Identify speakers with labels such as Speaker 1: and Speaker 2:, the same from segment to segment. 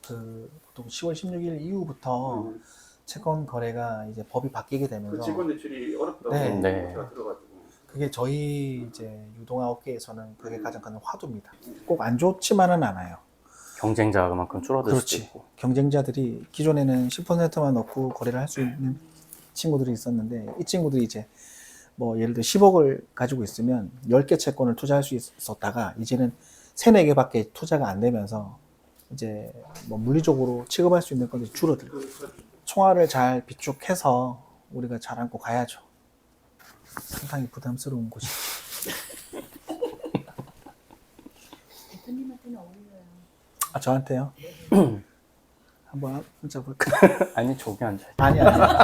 Speaker 1: 보통 10월 16일 이후부터 채권 거래가 이제 법이 바뀌게 되면서
Speaker 2: 채권 대출이 어렵다고
Speaker 1: 네.
Speaker 2: 제가 들어가지고
Speaker 1: 그게 저희 이제 유동화 업계에서는 그게 가장 큰 화두입니다. 꼭 안 좋지만은 않아요.
Speaker 3: 경쟁자가 그만큼 줄어들 수도
Speaker 1: 그렇지.
Speaker 3: 있고.
Speaker 1: 경쟁자들이 기존에는 10%만 넣고 거래를 할 수 있는 친구들이 있었는데 이 친구들이 이제 뭐 예를 들어 10억을 가지고 있으면 10개 채권을 투자할 수 있었다가 이제는 3, 4개밖에 투자가 안 되면서 이제 뭐 물리적으로 취급할 수 있는 것이 줄어들고 총알을 잘 비축해서 우리가 잘 안고 가야죠. 상당히 부담스러운 곳이.
Speaker 4: 대표님한테는 어울려요.
Speaker 1: 아, 저한테요? 한번 앉아볼까?
Speaker 3: 아니, 저기 앉아요.
Speaker 1: 아니.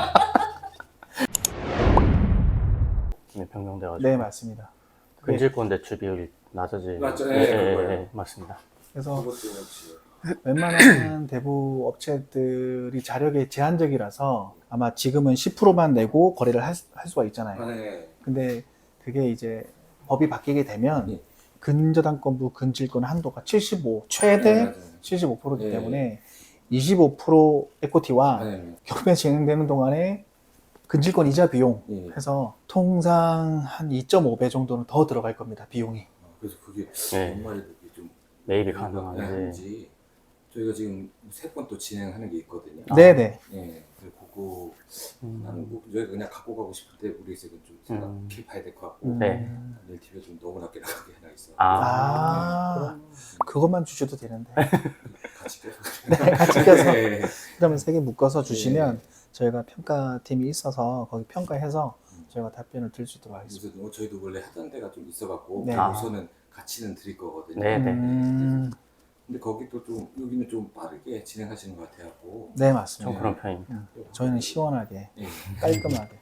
Speaker 3: 네, 변경돼가지고.
Speaker 1: 네, 맞습니다.
Speaker 3: 근질권 대출 비율이 낮아지.
Speaker 2: 맞죠.
Speaker 3: 네, 맞습니다.
Speaker 1: 그래서
Speaker 2: 그것도 역시
Speaker 1: 웬만한 대부 업체들이 자력이 제한적이라서 아마 지금은 10%만 내고 거래를 할 수가 있잖아요.
Speaker 2: 네.
Speaker 1: 근데 그게 이제 법이 바뀌게 되면
Speaker 2: 네.
Speaker 1: 근저당권부 근질권 한도가 75, 최대
Speaker 2: 네, 맞아요.
Speaker 1: 75%이기
Speaker 2: 네.
Speaker 1: 때문에 25% 에코티와
Speaker 2: 네.
Speaker 1: 경매 진행되는 동안에 근질권 이자 비용
Speaker 2: 네.
Speaker 1: 해서 통상 한 2.5배 정도는 더 들어갈 겁니다. 비용이.
Speaker 2: 그래서 그게
Speaker 3: 네.
Speaker 2: 연말에 좀
Speaker 3: 매입이
Speaker 2: 가능한지
Speaker 3: 가능한지.
Speaker 2: 저희가 지금 3건 또 진행하는 게 있거든요.
Speaker 1: 네네.
Speaker 2: 네. 그래서 그거
Speaker 3: 음.
Speaker 2: 나는 뭐 저희가 그냥 갖고 가고 싶은데 우리 집은 좀 생각해 봐야 될 것 같고
Speaker 3: 네.
Speaker 2: LTV가 좀 너무 낮게 나가게 하나 있어.
Speaker 1: 아, 그것만 주셔도 되는데.
Speaker 2: 같이 껴서.
Speaker 1: 네, 같이 껴서.
Speaker 2: 네.
Speaker 1: 그러면 3개 묶어서 주시면
Speaker 2: 네.
Speaker 1: 저희가 평가팀이 있어서 거기 평가해서 저희가 답변을 드릴 수 있도록 하겠습니다.
Speaker 2: 그래서 저희도 원래 하던 데가 좀 있어갖고
Speaker 1: 네.
Speaker 2: 우선은 같이는 드릴 거거든요.
Speaker 3: 네, 네.
Speaker 2: 근데 거기도 좀 여기는 좀 빠르게 진행하시는 것 같아갖고.
Speaker 1: 네,
Speaker 3: 좀
Speaker 1: 맞습니다.
Speaker 3: 그런 편입니다.
Speaker 1: 저희는 시원하게,
Speaker 2: 네.
Speaker 1: 깔끔하게.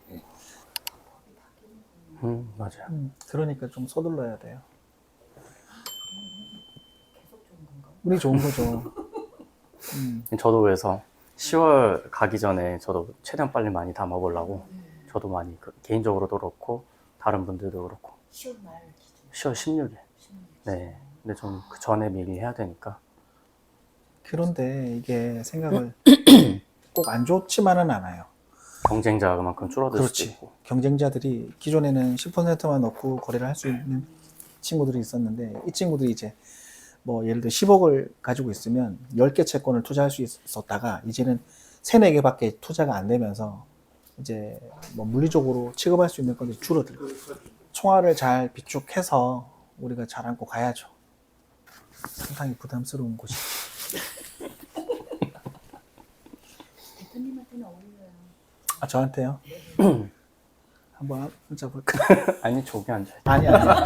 Speaker 3: 맞아요.
Speaker 1: 그러니까 좀 서둘러야 돼요.
Speaker 4: 계속 좋은 건가요?
Speaker 1: 우리 좋은 거죠.
Speaker 3: 저도 그래서 10월 가기 전에 저도 최대한 빨리 많이 담아보려고 저도 많이 개인적으로도 그렇고 다른 분들도 그렇고
Speaker 4: 10월 말 기준.
Speaker 3: 10월 16일.
Speaker 4: 16일.
Speaker 3: 네. 근데 좀 그 전에 미리 해야 되니까.
Speaker 1: 그런데 이게 생각을 꼭 안 좋지만은 않아요.
Speaker 3: 경쟁자가 그만큼 줄어들 수도
Speaker 1: 그렇지.
Speaker 3: 있고.
Speaker 1: 경쟁자들이 기존에는 10%만 넣고 거래를 할 수 있는 친구들이 있었는데 이 친구들이 이제 뭐 예를 들어 10억을 가지고 있으면 10개 채권을 투자할 수 있었다가 이제는 3, 4개밖에 투자가 안 되면서 이제 뭐 물리적으로 취급할 수 있는 것이 줄어들고 총알을 잘 비축해서 우리가 잘 안고 가야죠. 상당히 부담스러운 곳이.
Speaker 4: 대표님한테는 어울려요.
Speaker 1: 아, 저한테요? 한번 앉아볼까?
Speaker 3: 아니, 저기 앉아요.
Speaker 1: 아니.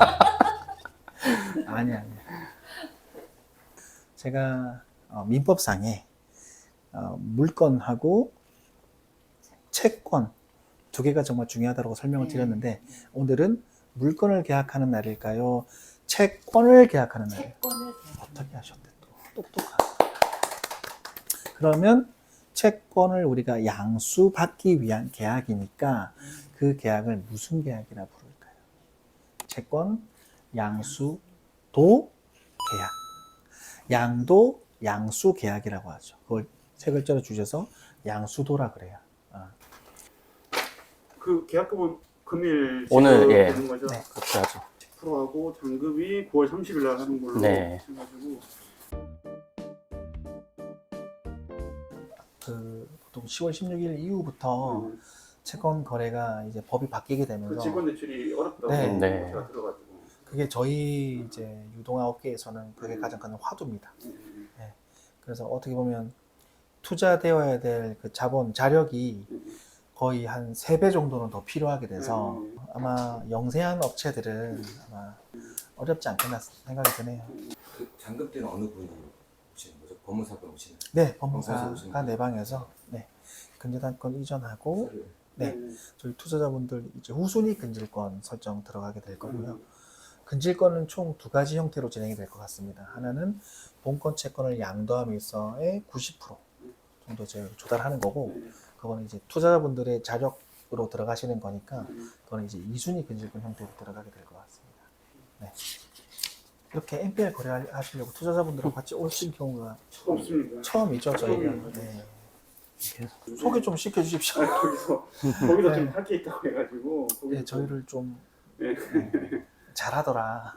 Speaker 1: 제가 민법상에 물건하고 채권 2개가 정말 중요하다고 설명을 드렸는데 오늘은 물건을 계약하는 날일까요? 채권을 계약하는 날일까요?
Speaker 4: 채권을
Speaker 1: 어떻게 하셨대 또 똑똑하다. 그러면 채권을 우리가 양수받기 위한 계약이니까 그 계약을 무슨 계약이라 부를까요? 채권 양수도 계약. 양도 양수 계약이라고 하죠. 그걸 세 글자로 주셔서 양수도라 그래요.
Speaker 2: 그 계약금은 금일
Speaker 3: 오늘, 예.
Speaker 2: 되는 거죠?
Speaker 1: 네.
Speaker 3: 그렇게 하죠.
Speaker 2: 10%하고 잔금이 9월 30일 날 하는 걸로
Speaker 3: 네.
Speaker 2: 해가지고
Speaker 1: 보통 10월 16일 이후부터 채권 거래가 이제 법이 바뀌게 되면서
Speaker 2: 채권 대출이 어렵다고
Speaker 1: 네.
Speaker 3: 네.
Speaker 2: 제가 들어가지고
Speaker 1: 그게 저희 이제 유동화 업계에서는 그게 가장 큰 화두입니다. 그래서 어떻게 보면 투자되어야 될 그 자본, 자력이 거의 한 3배 정도는 더 필요하게 돼서 아마 영세한 업체들은 아마 어렵지 않겠나 생각이 드네요.
Speaker 2: 그 잔금 때는 어느 분이 오시는 거죠? 법무사분 오시는
Speaker 1: 네,
Speaker 2: 법무사에서
Speaker 1: 법무사가
Speaker 2: 오시는 거예요?
Speaker 1: 내 방에서 근저당권 이전하고 네, 저희 투자자분들 이제 후순위 근질권 설정 들어가게 될 거고요. 근질권은 총 2가지 형태로 진행이 될 것 같습니다. 하나는 본권 채권을 양도함에서의 90% 정도 저희가 조달하는 거고, 그거는 이제 투자자분들의 자력으로 들어가시는 거니까, 그거는 이제 2순위 근질권 형태로 들어가게 될 것 같습니다. 네. 이렇게 NPL 거래하시려고 투자자분들하고 같이 오신 경우가
Speaker 5: 없습니다.
Speaker 1: 처음이죠, 저희가.
Speaker 5: 처음입니다.
Speaker 1: 네. 소개 좀 시켜주십시오.
Speaker 5: 거기서
Speaker 1: 네.
Speaker 5: 좀 탈게 있다고 해가지고 거기서
Speaker 1: 네, 저희를 좀
Speaker 5: 네.
Speaker 1: 잘하더라.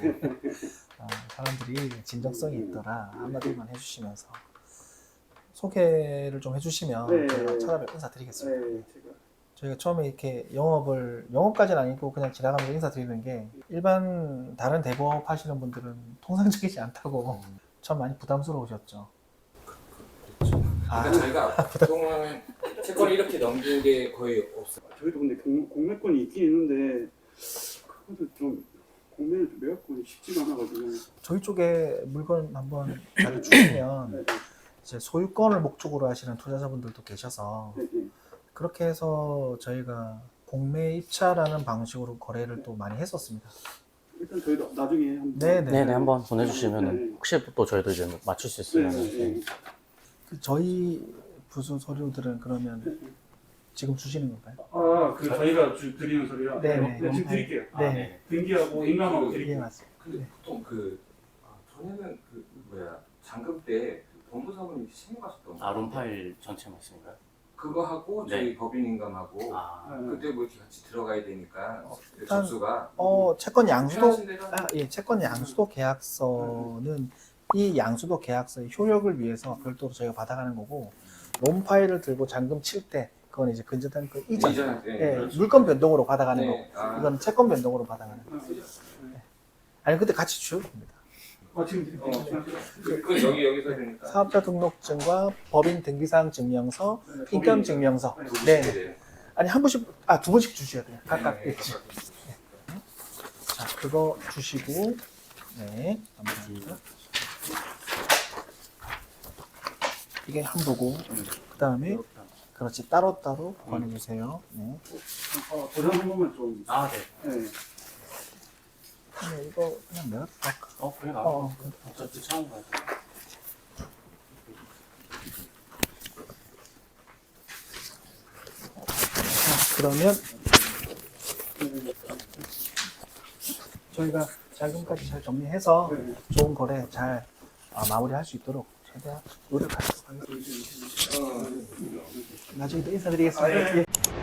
Speaker 1: 사람들이 진정성이 있더라. 한마디만 해주시면서 소개를 좀 해주시면
Speaker 5: 네.
Speaker 1: 저희가 찾아뵙 인사드리겠습니다.
Speaker 5: 네, 제가
Speaker 1: 저희가 처음에 이렇게 영업까지는 아니고 그냥 지나가면서 인사드리는 게 일반 다른 대부업 하시는 분들은 통상적이지 않다고 참 많이 부담스러우셨죠.
Speaker 2: 그러니까 저희가 보통은 채권을 이렇게 넘긴 게 거의 없어요.
Speaker 5: 저희도 근데 공매권이 있긴 있는데 그것도 좀 공매를 좀 매각권이 쉽지가 않아가지고
Speaker 1: 저희 쪽에 물건 한번 잘 주시면
Speaker 5: 네,
Speaker 1: 이제 소유권을 목적으로 하시는 투자자분들도 계셔서
Speaker 5: 네, 네.
Speaker 1: 그렇게 해서 저희가 공매 입차라는 방식으로 거래를 또 많이 했었습니다.
Speaker 5: 일단 저희도 나중에 한번
Speaker 1: 네네.
Speaker 3: 네네 한번 보내주시면
Speaker 5: 네.
Speaker 3: 혹시 또 저희도 이제 맞출 수 있으면
Speaker 5: 네, 네, 네.
Speaker 1: 그 저희 부수 서류들은 그러면 지금 주시는 건가요?
Speaker 5: 그 저희가 드리는 소리라
Speaker 1: 네, 네.
Speaker 5: 지금 드릴게요.
Speaker 1: 네.
Speaker 5: 등기하고 인감하고
Speaker 1: 예,
Speaker 5: 드릴게요.
Speaker 1: 맞습니다.
Speaker 2: 근데 보통 전에는 잔금 때 법무사분이 신고하셨던 거.
Speaker 3: 론 파일 전체 말씀인가요?
Speaker 2: 그거 하고 저희
Speaker 3: 네.
Speaker 2: 법인인감하고 그때 뭐 이렇게 같이 들어가야 되니까
Speaker 1: 일단,
Speaker 2: 접수가
Speaker 1: 채권 양수도
Speaker 2: 편하신 대로
Speaker 1: 채권 양수도 계약서는 이 양수도 계약서의 효력을 위해서 별도로 저희가 받아가는 거고 론 파일을 들고 잔금 칠 때 그건 이제 근저당 그 이전 물건 변동으로 받아가는
Speaker 2: 네.
Speaker 1: 거고 이건 채권 변동으로 받아가는 거. 아니 근데 같이 주셔도 됩니다.
Speaker 5: 지금 드릴게요.
Speaker 2: 그 여기서 되니까
Speaker 1: 사업자 등록증과 법인 등기사항 증명서, 인감 증명서. 네. 아니 한 분씩 두 분씩 주셔야 돼요. 각각. 네. 자 그거 주시고 네 감사합니다. 이게 한 부고 그 다음에 그렇지 따로따로 보내주세요. 네.
Speaker 5: 도장 한 번만 좀.
Speaker 3: 네.
Speaker 5: 네.
Speaker 1: 근데 이거 그냥 내가 할까?
Speaker 3: 그래 어차피 처음 가요.
Speaker 1: 그러면 저희가 자금까지 잘 정리해서 좋은 거래 잘 마무리할 수 있도록 최대한 노력하도록 하겠습니다. 나중에 또 인사드리겠습니다. 예.